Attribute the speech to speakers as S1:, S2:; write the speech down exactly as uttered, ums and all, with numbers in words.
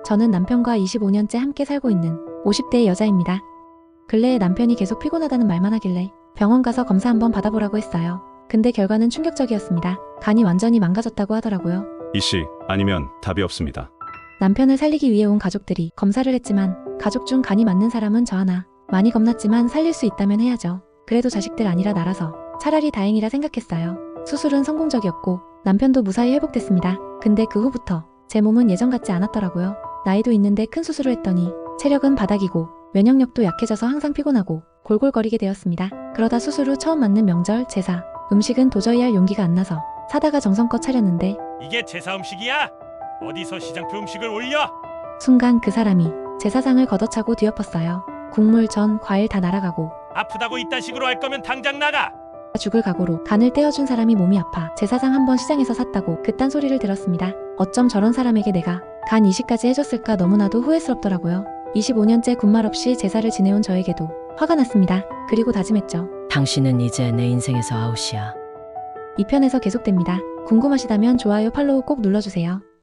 S1: 저는 남편과 이십오 년째 함께 살고 있는 오십 대의 여자입니다. 근래에 남편이 계속 피곤하다는 말만 하길래 병원 가서 검사 한번 받아보라고 했어요. 근데 결과는 충격적이었습니다. 간이 완전히 망가졌다고 하더라고요.
S2: 이씨, 아니면 답이 없습니다.
S1: 남편을 살리기 위해 온 가족들이 검사를 했지만 가족 중 간이 맞는 사람은 저 하나. 많이 겁났지만 살릴 수 있다면 해야죠. 그래도 자식들 아니라 나라서 차라리 다행이라 생각했어요. 수술은 성공적이었고 남편도 무사히 회복됐습니다. 근데 그 후부터 제 몸은 예전 같지 않았더라고요. 나이도 있는데 큰 수술을 했더니 체력은 바닥이고 면역력도 약해져서 항상 피곤하고 골골거리게 되었습니다. 그러다 수술 후 처음 맞는 명절, 제사, 음식은 도저히 할 용기가 안 나서 사다가 정성껏 차렸는데
S3: 이게 제사 음식이야? 어디서 시장표 음식을 올려?
S1: 순간 그 사람이 제 사상을 걷어차고 뒤엎었어요. 국물, 전, 과일 다 날아가고
S3: 아프다고 이딴 식으로 할 거면 당장 나가!
S1: 죽을 각오로 간을 떼어준 사람이 몸이 아파 제 사상 한번 시장에서 샀다고 그딴 소리를 들었습니다. 어쩜 저런 사람에게 내가 간 이식까지 해줬을까 너무나도 후회스럽더라고요. 이십오 년째 군말 없이 제사를 지내온 저에게도 화가 났습니다. 그리고 다짐했죠.
S4: 당신은 이제 내 인생에서 아웃이야.
S1: 이 편에서 계속됩니다. 궁금하시다면 좋아요, 팔로우 꼭 눌러주세요.